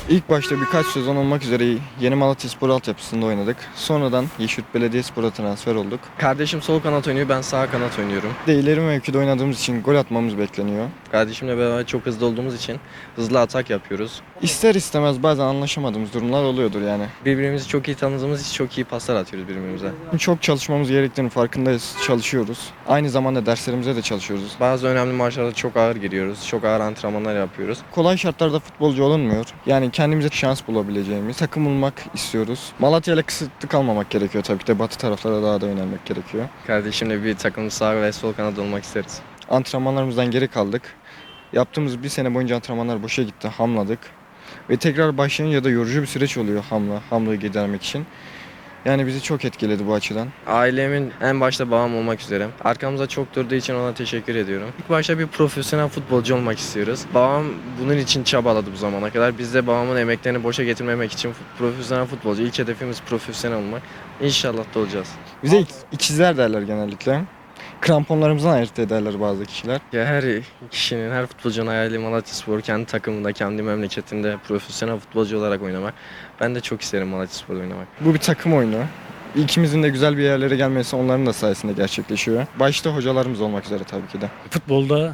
İlk başta birkaç sezon olmak üzere Yeni Malatyaspor altyapısında oynadık. Sonradan Yeşilyurt Belediyespor'a transfer olduk. Kardeşim sol kanat oynuyor, ben sağ kanat oynuyorum. Bir de ileri mevkide oynadığımız için gol atmamız bekleniyor. Kardeşimle beraber çok hızlı olduğumuz için hızlı atak yapıyoruz. İster istemez bazen anlaşamadığımız durumlar oluyordur yani. Birbirimizi çok iyi tanıdığımız için çok iyi paslar atıyoruz birbirimize. Çok çalışmamız gerektiğini farkındayız, çalışıyoruz. Aynı zamanda derslerimize de çalışıyoruz. Bazı önemli maçlarda çok ağır giriyoruz, çok ağır antrenmanlar yapıyoruz. Kolay şartlarda futbolcu olunmuyor. Yani kendimize şans bulabileceğimiz takım olmak istiyoruz. Malatya ile kısıtlı kalmamak gerekiyor tabii ki de. Batı taraflara daha da yönelmek gerekiyor. Kardeşimle bir takım sağ ve sol kanat olmak isteriz. Antrenmanlarımızdan geri kaldık. Yaptığımız bir sene boyunca antrenmanlar boşa gitti, hamladık. Ve tekrar başlayınca da yorucu bir süreç oluyor hamlığı gidermek için. Yani bizi çok etkiledi bu açıdan. Ailemin en başta babam olmak üzere. Arkamızda çok durduğu için ona teşekkür ediyorum. İlk başta bir profesyonel futbolcu olmak istiyoruz. Babam bunun için çabaladı bu zamana kadar. Biz de babamın emeklerini boşa getirmemek için profesyonel futbolcu. İlk hedefimiz profesyonel olmak. İnşallah da olacağız. Bize ikizler derler genellikle. Kramponlarımızdan ayırt ederler bazı kişiler. Ya her kişinin, her futbolcunun hayali Malatyaspor kendi takımında, kendi memleketinde profesyonel futbolcu olarak oynamak. Ben de çok isterim Malatyaspor'da oynamak. Bu bir takım oyunu. İkimizin de güzel bir yerlere gelmesi onların da sayesinde gerçekleşiyor. Başta hocalarımız olmak üzere tabii ki de. Futbolda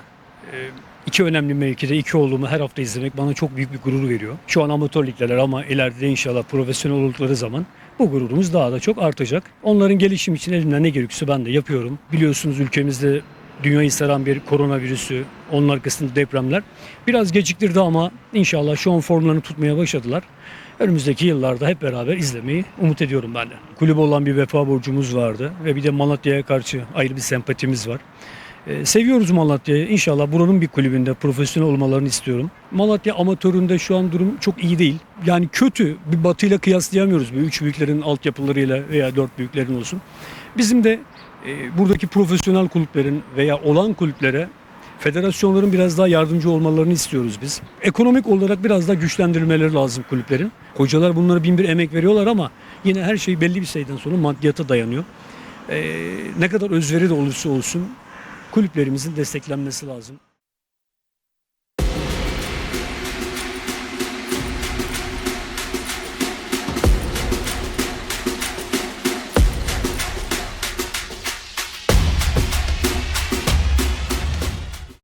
iki önemli mevkide iki oğlumu her hafta izlemek bana çok büyük bir gurur veriyor. Şu an amatör ligdeler ama ileride inşallah profesyonel oldukları zaman bu gururumuz daha da çok artacak. Onların gelişim için elimden ne gerekiyorsa ben de yapıyorum. Biliyorsunuz ülkemizde dünyayı saran bir koronavirüsü, onun arkasında depremler biraz geciktirdi ama inşallah şu an formlarını tutmaya başladılar. Önümüzdeki yıllarda hep beraber izlemeyi umut ediyorum ben de. Kulübe olan bir vefa borcumuz vardı ve bir de Malatya'ya karşı ayrı bir sempatimiz var. Seviyoruz Malatya'yı. İnşallah buranın bir kulübünde profesyonel olmalarını istiyorum. Malatya amatöründe şu an durum çok iyi değil. Yani kötü. Bir Batı'yla kıyaslayamıyoruz. Bir üç büyüklerin altyapılarıyla veya dört büyüklerin olsun. Bizim de buradaki profesyonel kulüplerin veya olan kulüplere federasyonların biraz daha yardımcı olmalarını istiyoruz biz. Ekonomik olarak biraz daha güçlendirilmeleri lazım kulüplerin. Hocalar bunlara bin bir emek veriyorlar ama yine her şey belli bir sayıdan sonra maddiyata dayanıyor. Ne kadar özveri de olursa olsun kulüplerimizin desteklenmesi lazım.